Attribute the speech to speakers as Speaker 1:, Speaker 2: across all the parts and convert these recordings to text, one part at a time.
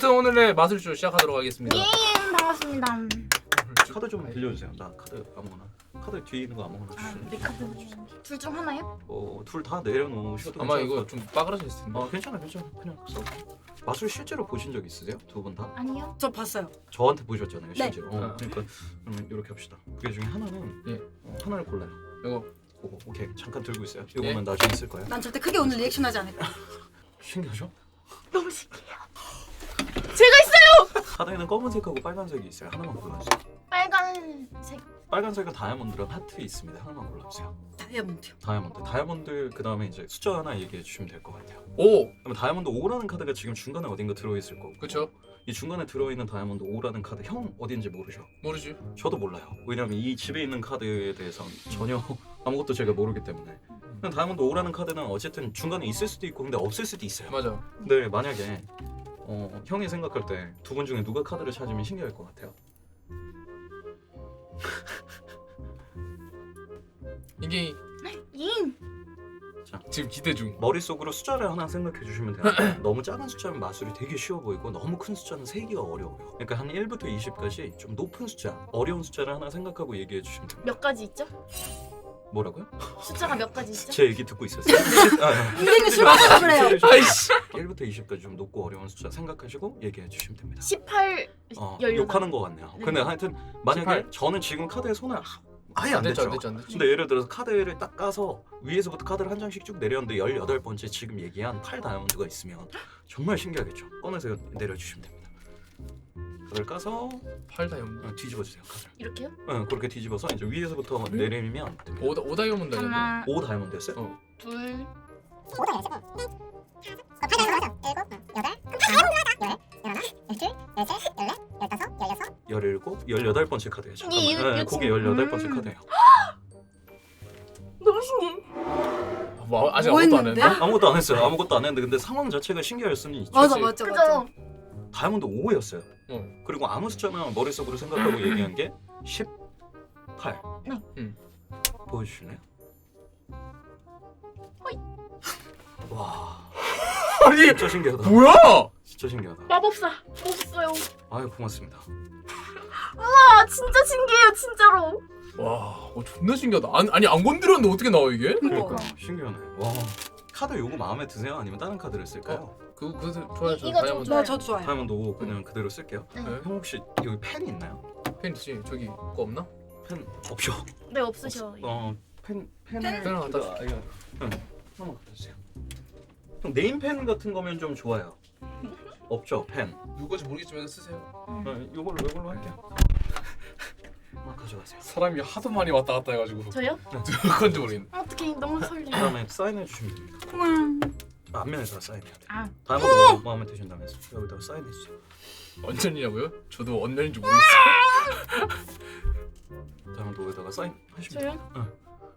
Speaker 1: 아무튼 오늘의 마술쇼 시작하도록 하겠습니다.
Speaker 2: 예, 반갑습니다.
Speaker 3: 카드 좀 빌려주세요. 나 카드 아무거나. 카드 뒤에 있는 거 아무거나 주시면.
Speaker 2: 내 카드 둘 중 하나요?
Speaker 3: 둘 다 내려놓으셔도
Speaker 1: 아마
Speaker 3: 괜찮을
Speaker 1: 이거
Speaker 3: 것
Speaker 1: 좀 빠그라져 있을 텐데.
Speaker 3: 괜찮아. 그냥 써. 마술 실제로 보신 적 있으세요? 두 분 다?
Speaker 2: 아니요.
Speaker 4: 저 봤어요.
Speaker 3: 저한테 보셨잖아요,
Speaker 4: 네.
Speaker 3: 실제로. 그러니까 그러면 이렇게 합시다. 그 중에 하나는
Speaker 1: 예.
Speaker 3: 하나를 골라요.
Speaker 1: 이거
Speaker 3: 그거 오케이. 잠깐 들고 있어요. 이거는
Speaker 1: 예.
Speaker 3: 나중에 쓸 거예요.
Speaker 4: 난 절대 크게 오늘 리액션하지 않을 거야.
Speaker 3: 신기하죠?
Speaker 2: 너무 신기해요. 제가 있어요.
Speaker 3: 카드에는 검은색하고 빨간색이 있어요. 하나만 골라주세요.
Speaker 2: 빨간색.
Speaker 3: 빨간색은 다이아몬드랑 하트 있습니다. 하나만 골라주세요.
Speaker 4: 다이아몬드요.
Speaker 3: 다이아몬드 그 다음에 이제 숫자 하나 얘기해 주시면 될 것 같아요.
Speaker 1: 5.
Speaker 3: 그러면 다이아몬드 5라는 카드가 지금 중간에 어딘가 들어있을 거고.
Speaker 1: 그쵸?
Speaker 3: 이 중간에 들어있는 다이아몬드 5라는 카드 형 어딘지 모르죠?
Speaker 1: 모르지.
Speaker 3: 저도 몰라요. 왜냐면 이 집에 있는 카드에 대해서는 전혀 아무것도 제가 모르기 때문에. 그냥 다이아몬드 5라는 카드는 어쨌든 중간에 있을 수도 있고 근데 없을 수도 있어요.
Speaker 1: 맞아.
Speaker 3: 근데 만약에 형이 생각할 때 두 분 중에 누가 카드를 찾으면 신기할 것 같아요.
Speaker 1: 이게
Speaker 2: 잉.
Speaker 1: 지금 기대 중.
Speaker 3: 머릿속으로 숫자를 하나 생각해 주시면 되는데 너무 작은 숫자는 마술이 되게 쉬워 보이고 너무 큰 숫자는 세기가 어려워요. 그러니까 한 1부터 20까지 좀 높은 숫자, 어려운 숫자를 하나 생각하고 얘기해 주시면 됩니다.
Speaker 2: 몇 가지 있죠?
Speaker 3: 뭐라고요?
Speaker 2: 숫자가 몇 가지 있죠?
Speaker 3: 제 얘기 듣고 있었어요.
Speaker 4: 선생님 술 먹어서 그래요.
Speaker 1: 아이씨.
Speaker 3: 1부터 20까지 좀 높고 어려운 숫자 생각하시고 얘기해 주시면 됩니다.
Speaker 2: 18, 18.
Speaker 3: 욕하는 것 같네요.
Speaker 2: 네.
Speaker 3: 근데 하여튼 만약에
Speaker 1: 18.
Speaker 3: 저는 지금 카드에 손을 아예 안
Speaker 1: 됐죠,
Speaker 3: 댔죠.
Speaker 1: 안 됐죠.
Speaker 3: 근데 예를 들어서 카드를 딱 까서 위에서부터 카드를 한 장씩 쭉 내렸는데 18번째 지금 얘기한 8 다이아몬드가 있으면 정말 신기하겠죠. 꺼내서 내려주시면 됩니다. 카드를 까서
Speaker 1: 8 다이아몬드.
Speaker 3: 뒤집어 주세요. 카드를.
Speaker 2: 이렇게요?
Speaker 3: 그렇게 뒤집어서 이제 위에서부터 내리면 됩니다.
Speaker 1: 5 다이아몬드 아니야?
Speaker 2: 하나,
Speaker 3: 5 다이아몬드였어요?
Speaker 2: 둘,
Speaker 3: 열일곱, 18번째 카드예요.
Speaker 2: 이-
Speaker 3: 잠깐만.
Speaker 2: 이거
Speaker 3: 그게
Speaker 2: 지금-
Speaker 3: 18번째 카드예요.
Speaker 2: 너무 신기해.
Speaker 1: 뭐 아직
Speaker 4: 뭐
Speaker 1: 아무것도 안
Speaker 4: 했는데?
Speaker 1: 했는데?
Speaker 3: 아무것도 안 했어요. 아무것도 안 했는데 근데 상황 자체가 신기할 수는 있죠.
Speaker 4: 맞아
Speaker 1: 그치?
Speaker 4: 맞아 맞아.
Speaker 2: 그죠?
Speaker 3: 다이아몬드 5였어요.
Speaker 1: 어.
Speaker 3: 그리고 아무 숫자나 머릿속으로 생각하고 얘기한 게 18.
Speaker 2: 네.
Speaker 3: 보여주실래요? 와,
Speaker 1: 아니
Speaker 3: 진짜 신기하다.
Speaker 1: 뭐야?
Speaker 3: 진짜 신기하다.
Speaker 2: 마법사 없어요.
Speaker 3: 아유 고맙습니다.
Speaker 2: 아 진짜 신기해요 진짜로.
Speaker 1: 와, 존나 신기하다. 아니 안 건드렸는데 어떻게 나와 이게?
Speaker 3: 그러니까 신기하네. 와, 카드 요거 마음에 드세요? 아니면 다른 카드를 쓸까요?
Speaker 1: 그거 좋아요. 저
Speaker 2: 이거 좀
Speaker 1: 다이아몬드.
Speaker 2: 좋아요.
Speaker 4: 저 좋아요.
Speaker 3: 다이아몬드 5 그냥 그대로 쓸게요.
Speaker 2: 네.
Speaker 1: 네.
Speaker 3: 형 혹시 여기 펜 있나요?
Speaker 1: 펜 있지. 저기 거 없나?
Speaker 3: 펜 없죠?
Speaker 2: 네 없으셔.
Speaker 3: 펜을
Speaker 1: 펜을 갖다 줄게.
Speaker 3: 하나만 갖다 주세요. 형 네임펜 같은 거면 좀 좋아요. 없죠 펜.
Speaker 1: 누구인지 모르겠지만 쓰세요.
Speaker 3: 요걸로 할게요. 하나 가져가세요.
Speaker 1: 사람이 하도 많이 왔다 갔다 해가지고
Speaker 2: 저요?
Speaker 1: 누군지 모르겠네.
Speaker 2: 어떻게 너무 설레.
Speaker 3: 그다음에 사인해 주시면 됩니다.
Speaker 2: 우와.
Speaker 3: 앞면에다가 사인해야 돼요.
Speaker 2: 아.
Speaker 3: 다이아몬드 마음에 드신다면 여기다가 사인해 주세요.
Speaker 1: 언년이냐고요? 저도 언년인지 모르겠어요.
Speaker 3: 다이아몬드 여기다가 사인하시면 돼요.
Speaker 2: 저요?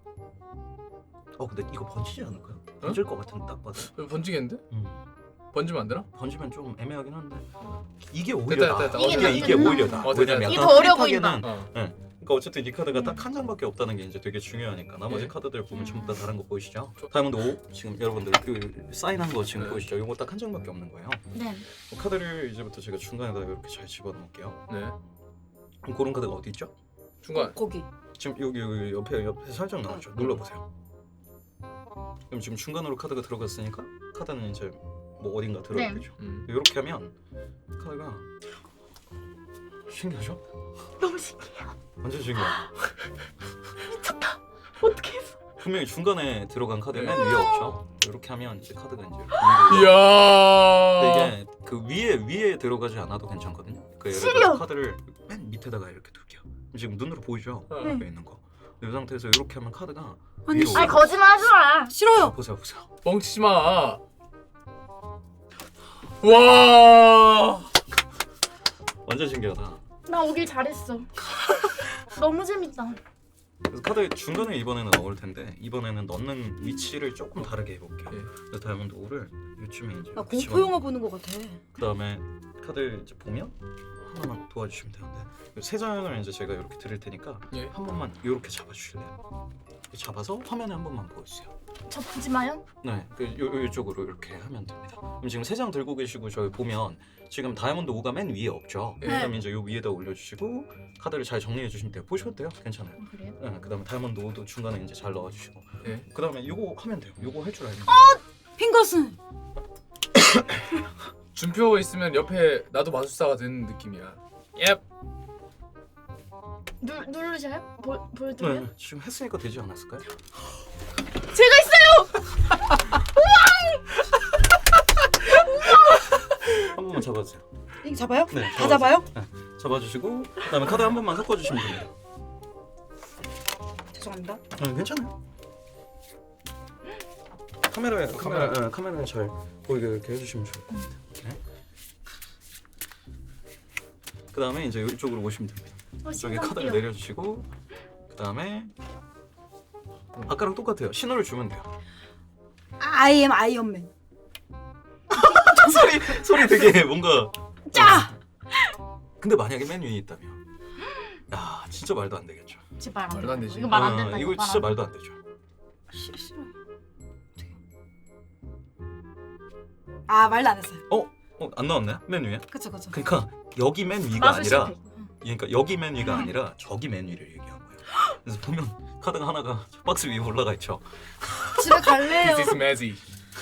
Speaker 3: 근데 이거 번지지 않을까요? 번질 것 같은데 딱 봐도.
Speaker 1: 번지겠는데? 번지면 안 되나?
Speaker 3: 번지면 좀 애매하긴 한데 이게 오히려
Speaker 1: 됐다.
Speaker 3: 나.
Speaker 2: 이게
Speaker 3: 이게
Speaker 2: 낫구나.
Speaker 3: 오히려 나.
Speaker 1: 됐다.
Speaker 3: 왜냐면
Speaker 2: 이게
Speaker 3: 약간
Speaker 2: 더 어려
Speaker 3: 프릿하게는
Speaker 1: 어.
Speaker 3: 그러니까 어쨌든 이 카드가 딱 한 장밖에 없다는 게 이제 되게 중요하니까 나머지
Speaker 1: 예.
Speaker 3: 카드들 보면 전부 다 다른 거 보이시죠?
Speaker 1: 저-
Speaker 3: 다이아몬드 5 지금 여러분들 그 사인한 거 지금
Speaker 1: 네.
Speaker 3: 보이시죠? 이거 딱 한 장밖에 없는 거예요.
Speaker 2: 네.
Speaker 3: 카드를 이제부터 제가 중간에다 이렇게 잘 집어넣을게요.
Speaker 1: 네.
Speaker 3: 그럼 고른 카드가 어디 있죠?
Speaker 1: 중간.
Speaker 4: 거기.
Speaker 3: 지금 여기 옆에 살짝 나오죠. 눌러보세요. 그럼 지금 중간으로 카드가 들어갔으니까 카드는 이제 뭐 어딘가 들어있겠죠. 이렇게 하면 카드가 신기하죠?
Speaker 2: 너무 신기해요.
Speaker 3: 완전 신기해요.
Speaker 2: 미쳤다. 어떻게 했어?
Speaker 3: 분명히 중간에 들어간 카드 맨 위에 없죠. 이렇게 하면 이제 카드가 이제
Speaker 1: 이야.
Speaker 3: 근데 이게 그 위에 들어가지 않아도 괜찮거든요. 그 예를
Speaker 2: 싫어.
Speaker 3: 들어 카드를 맨 밑에다가 이렇게 둘게요. 지금 눈으로 보이죠?
Speaker 1: 네.
Speaker 3: 옆에 있는 거. 이 상태에서 이렇게 하면 카드가
Speaker 4: 아니,
Speaker 3: 위로
Speaker 2: 아니 거짓말하지 마.
Speaker 4: 싫어요.
Speaker 3: 보세요.
Speaker 1: 뻥치지 마. 와.
Speaker 3: 완전 신기하다.
Speaker 2: 나 오길 잘했어. 너무 재밌다.
Speaker 3: 그래서 카드 중간에 이번에는 넣을 텐데 이번에는 넣는 위치를 조금 다르게 해볼게요.
Speaker 1: 예.
Speaker 3: 그래서 다이아몬드 5를 이쯤에 이제
Speaker 4: 나 공포 영화 보는 것 같아.
Speaker 3: 그 다음에 카드 이제 보면 하나만 도와주시면 되는데 세 장을 이제 제가 이렇게 드릴 테니까
Speaker 1: 예.
Speaker 3: 한 번만 이렇게 잡아주실래요? 잡아서 화면에 한 번만 보여주세요.
Speaker 2: 저 보지 마요.
Speaker 3: 네, 이쪽으로 이렇게 하면 됩니다. 그럼 지금 3장 들고 계시고 저희 보면 지금 다이아몬드 5가 맨 위에 없죠.
Speaker 1: 네.
Speaker 3: 그다음에 이제 요 위에다 올려주시고 카드를 잘 정리해 주시면 돼요. 보셔도 돼요. 괜찮아요.
Speaker 2: 그래요?
Speaker 3: 네, 그다음에 다이아몬드 5도 중간에 이제 잘 넣어주시고.
Speaker 1: 네.
Speaker 3: 그다음에 요거 하면 돼요. 요거 할 줄 알면.
Speaker 4: 핑거슨.
Speaker 1: 준표 있으면 옆에 나도 마술사가 되는 느낌이야. 예.
Speaker 2: 누르셔요? 보여드려요?
Speaker 3: 네, 지금 했으니까 되지 않았을까요?
Speaker 2: 제가 있어요.
Speaker 3: 한 번만 잡아주세요.
Speaker 4: 이거 잡아요?
Speaker 3: 네,
Speaker 4: 다 잡아요?
Speaker 3: 네, 잡아주시고 그다음에 카드 한 번만 섞어주시면 됩니다.
Speaker 4: 죄송합니다.
Speaker 3: 괜찮아요. 카메라에 잘 보이게 이렇게 해주시면 좋을 것 같아요. 네. 그다음에 이제 이쪽으로 오시면 됩니다. 이쪽에 카드를 내려주시고 그다음에 아까랑 똑같아요. 신호를 주면 돼요.
Speaker 4: I am 아이언맨.
Speaker 3: 소리 되게 뭔가
Speaker 4: 짜!
Speaker 3: 근데 만약에 맨 위에 있다면 야 진짜 말도 안 되겠죠.
Speaker 2: 제발
Speaker 1: 말도 안 되지.
Speaker 2: 이거 말 안 된다.
Speaker 3: 이거 진짜 말도 안 되죠.
Speaker 4: 싫어. 아 말도 안 했어요.
Speaker 3: 안 나왔나요? 맨 위에?
Speaker 4: 그쵸.
Speaker 3: 그러니까 여기 맨 위가
Speaker 2: 마술
Speaker 3: 아니라
Speaker 2: 실패.
Speaker 3: 그러니까 여기 맨 위가 아니라 저기 맨 위를 얘기한 거예요. 그래서 보면 카드가 하나가 박스 위에 올라가 있죠.
Speaker 4: 집에 갈래요.
Speaker 1: This is magic.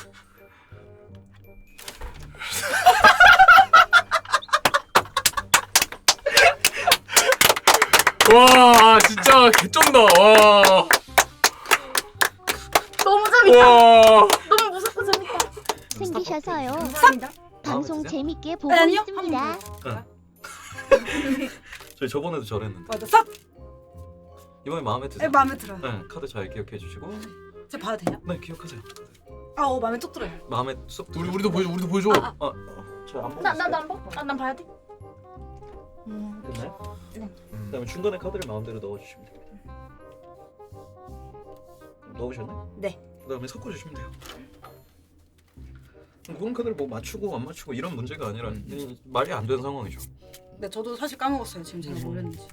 Speaker 1: 와 진짜 개쩐다. 와.
Speaker 2: 너무 재밌다.
Speaker 1: 와.
Speaker 2: 너무 무섭고 재밌다.
Speaker 5: 생기셔서요.
Speaker 2: 감사합니다.
Speaker 5: 방송
Speaker 3: 마음에 드세요?
Speaker 5: 재밌게 보고
Speaker 4: 아니요.
Speaker 5: 있습니다.
Speaker 3: 저희 저번에도 저랬는데
Speaker 4: 맞아. 싹.
Speaker 3: 이번에 마음에 드세요?
Speaker 4: 마음에 들어요.
Speaker 3: 네, 카드 잘 기억해 주시고
Speaker 4: 제가 봐도 되냐?
Speaker 3: 네 기억하세요.
Speaker 4: 마음에 쏙 들어요.
Speaker 3: 마음에 쏙
Speaker 1: 우리도 보여줘. 우리도 보여줘.
Speaker 3: 저안 보고
Speaker 2: 나안 봐? 난 봐야 돼.
Speaker 3: 됐나요?
Speaker 2: 네.
Speaker 3: 그다음에 중간에 카드를 마음대로 넣어주시면 됩니다. 넣으셨나요?
Speaker 4: 네.
Speaker 3: 그다음에 섞어주시면 돼요. 그런 카드를 뭐 맞추고 안 맞추고 이런 문제가 아니라 말이 안 되는 상황이죠.
Speaker 4: 네, 저도 사실 까먹었어요. 지금 제가 뭘 했는지.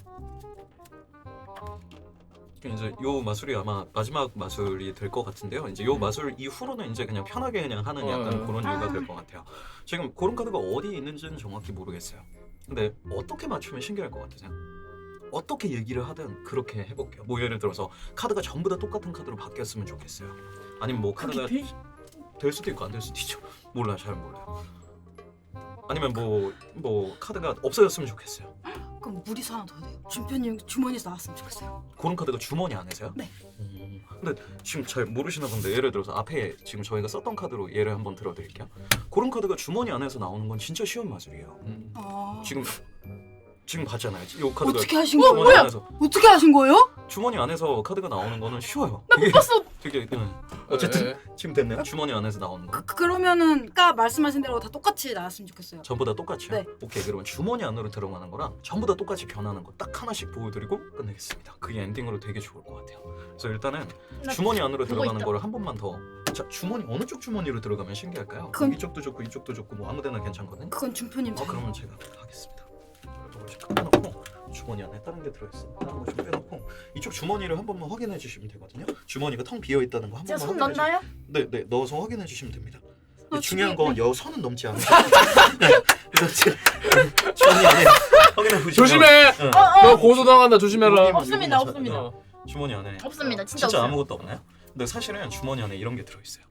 Speaker 3: 이제 요 마술이 아마 마지막 마술이 될 것 같은데요. 이제 요 마술 이후로는 이제 그냥 편하게 그냥 하는 약간 그런 이유가 될 것 같아요. 지금 그런 카드가 어디 있는지는 정확히 모르겠어요. 근데 어떻게 맞추면 신기할 것 같으세요? 어떻게 얘기를 하든 그렇게 해볼게요. 뭐 예를 들어서 카드가 전부 다 똑같은 카드로 바뀌었으면 좋겠어요. 아니면 뭐 카드가 될 수도 있고 안 될 수도 있죠. 몰라요, 잘 몰라요. 아니면 뭐 카드가 없어졌으면 좋겠어요.
Speaker 4: 그럼 무리수 하나 더 해야 돼요. 준표님 주머니에서 나왔으면 좋겠어요.
Speaker 3: 그런 카드가 주머니 안에서요?
Speaker 4: 네.
Speaker 3: 근데 지금 잘 모르시나 본데 예를 들어서 앞에 지금 저희가 썼던 카드로 예를 한번 들어드릴게요. 그런 카드가 주머니 안에서 나오는 건 진짜 쉬운 마술이에요.
Speaker 4: 아...
Speaker 3: 지금 봤잖아요. 이 카드가
Speaker 4: 어떻게 하신
Speaker 3: 주머니
Speaker 4: 거예요?
Speaker 3: 안에서
Speaker 4: 어떻게 하신 거예요?
Speaker 3: 주머니 안에서 카드가 나오는 거는 쉬워요.
Speaker 2: 나 못 봤어.
Speaker 3: 되게 어쨌든
Speaker 1: 네.
Speaker 3: 지금 됐네요. 주머니 안에서 나오는 거.
Speaker 4: 그러면은 아까 말씀하신 대로 다 똑같이 나왔으면 좋겠어요.
Speaker 3: 전부 다 똑같이요?
Speaker 4: 네.
Speaker 3: 오케이, 그러면 주머니 안으로 들어가는 거랑 전부 다 똑같이 변하는 거 딱 하나씩 보여드리고 끝내겠습니다. 그게 엔딩으로 되게 좋을 것 같아요. 그래서 일단은 주머니 안으로 들어가는
Speaker 2: 있다.
Speaker 3: 거를 한 번만 더. 자, 주머니 어느 쪽 주머니로 들어가면 신기할까요?
Speaker 4: 그건-
Speaker 3: 이쪽도 좋고 이쪽도 좋고 뭐 아무데나 괜찮거든요.
Speaker 4: 그건 준표님 자유.
Speaker 3: 그러면 제가 하겠습니다. 조금씩 빼놓고 주머니 안에 다른 게 들어있습니다. 다른 거 좀 빼놓고 이쪽 주머니를 한 번만 확인해 주시면 되거든요. 주머니가 텅 비어 있다는 거 한
Speaker 2: 제가
Speaker 3: 번만
Speaker 2: 손
Speaker 3: 확인해
Speaker 2: 넣나요?
Speaker 3: 네, 넣어서 확인해 주시면 됩니다.
Speaker 4: 아,
Speaker 3: 중요한
Speaker 4: 지금-
Speaker 3: 건 여 선은 넘지 않아요. 네, 그래서 지금 주머니 안에 확인해 보시면
Speaker 1: 조심해.
Speaker 3: 응.
Speaker 1: 너 고소 당한다. 조심해라.
Speaker 2: 없습니다,
Speaker 3: 요거만
Speaker 2: 없습니다.
Speaker 1: 어.
Speaker 3: 주머니 안에
Speaker 2: 없습니다. 진짜
Speaker 3: 진짜
Speaker 2: 없어요.
Speaker 3: 아무것도 없나요? 근데 사실은 주머니 안에 이런 게 들어 있어요.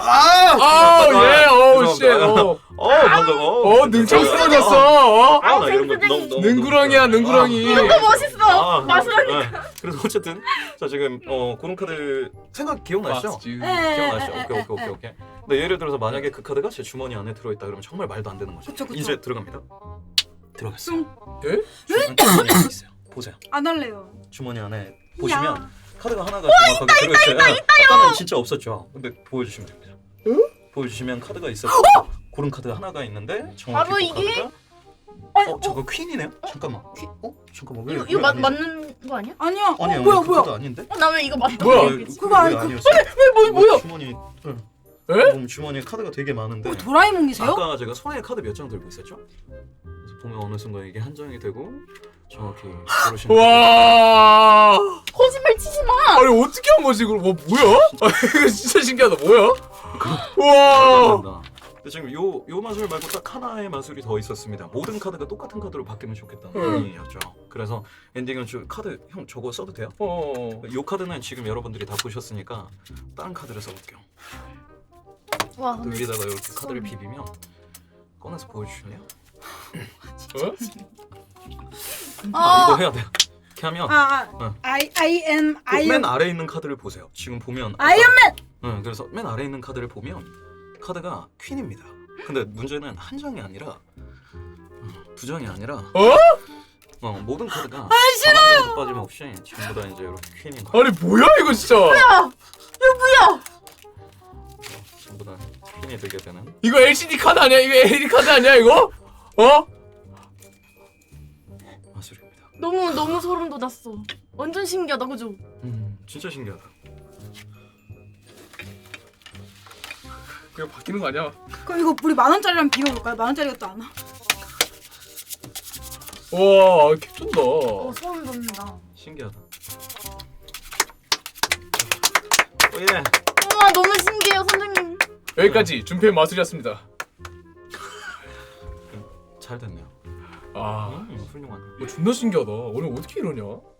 Speaker 1: 아, 예. 어우 씨.
Speaker 3: 방금
Speaker 1: 능청 쓰러졌어.
Speaker 3: 나 이런 거 너무
Speaker 1: 능구렁이야, 능구렁이.
Speaker 2: 너무 멋있어. 마술하니.
Speaker 3: 그래서 어쨌든 자 지금 그런 카드 생각 기억나시죠?
Speaker 1: 맞지.
Speaker 4: 네.
Speaker 3: 기억나시죠? 오케이. 근데 예를 들어서 만약에 그 카드가 제 주머니 안에 들어있다 그러면 정말 말도 안 되는 거죠.
Speaker 4: 그쵸.
Speaker 3: 이제 들어갑니다. 들어갔어요.
Speaker 1: 예?
Speaker 3: 주머니 안에 있어요. 보세요.
Speaker 4: 안 할래요.
Speaker 3: 주머니 안에 보시면 카드가 하나가 정확하게 들어있어요. 아까는 진짜 없었죠. 근데 보여주시면 됩니다. 보여주시면 카드가 있었고 그런 카드가 하나가 있는데 정확히
Speaker 2: 바로
Speaker 3: 그
Speaker 2: 이게?
Speaker 3: 카드가 잠깐 퀸이네요? 잠깐만. 잠깐만 왜
Speaker 2: 이거
Speaker 3: 왜 아니지?
Speaker 2: 맞는 거 아니야?
Speaker 4: 아니야.
Speaker 3: 아니야
Speaker 4: 뭐야
Speaker 3: 그
Speaker 4: 뭐야.
Speaker 3: 카드 아닌데?
Speaker 2: 나 왜 이거 맞다?
Speaker 1: 뭐야?
Speaker 4: 그거 아니고.
Speaker 3: 아니었어.
Speaker 2: 뭐야?
Speaker 3: 주머니
Speaker 1: 에?
Speaker 3: 보면 주머니에 카드가 되게 많은데
Speaker 4: 도라에몽이세요?
Speaker 3: 아까 제가 손에 카드 몇 장 들고 있었죠? 그래서 보면 어느 순간 이게 한정이 되고 정확히 고르시는.
Speaker 1: 와.
Speaker 2: 거짓말 치지 마.
Speaker 1: 아니 어떻게 한 거지 그럼? 뭐야? 아, 이거 진짜 신기하다. 뭐야? 와.
Speaker 3: 감사합니다. 근데 지금 요 마술 말고 딱 하나의 마술이 더 있었습니다. 모든 카드가 똑같은 카드로 바뀌면 좋겠다는 의미였죠. 그래서 엔딩은 카드 형 저거 써도 돼요? 요 카드는 지금 여러분들이 다 보셨으니까 다른 카드를 써볼게요.
Speaker 2: 와 근데
Speaker 3: 여기다가 이렇게 카드를 비비면 꺼내서 보여주실래요?
Speaker 1: 어?
Speaker 3: 이거 해야 돼요. 이렇게 하면
Speaker 4: I am
Speaker 3: 맨 아래에 있는 카드를 보세요. 지금 보면
Speaker 4: 아이언맨.
Speaker 3: 응, 그래서 맨 아래에 있는 카드를 보면 카드가 퀸입니다. 근데 문제는 한 장이 아니라 두 장이 아니라 모든 카드가 하나도 빠짐없이 전부 다 이제 이렇게 퀸인 거야.
Speaker 1: 아니 뭐야 이거 진짜?
Speaker 2: 이거 뭐야?
Speaker 3: 전부 다 퀸이 되게 되는.
Speaker 1: 이거 LCD 카드 아니야? 이거 LED 카드 아니야 이거? 어?
Speaker 3: 마술입니다.
Speaker 2: 너무 소름 돋았어. 완전 신기하다 그죠?
Speaker 3: 진짜 신기하다.
Speaker 1: 그냥 바뀌는 거 아니야?
Speaker 4: 그럼 이거 우리 10,000원짜리랑 비교해볼까요? 10,000원짜리가 또 안 나?
Speaker 1: 와 개쩐다.
Speaker 2: 소름 돋는다.
Speaker 3: 신기하다. 예.
Speaker 2: 우와 너무 신기해요 선생님.
Speaker 1: 여기까지 준표의 마술이었습니다.
Speaker 3: 잘 됐네요.
Speaker 1: 아
Speaker 3: 훌륭하네.
Speaker 1: 존나 신기하다. 오늘 어떻게 이러냐?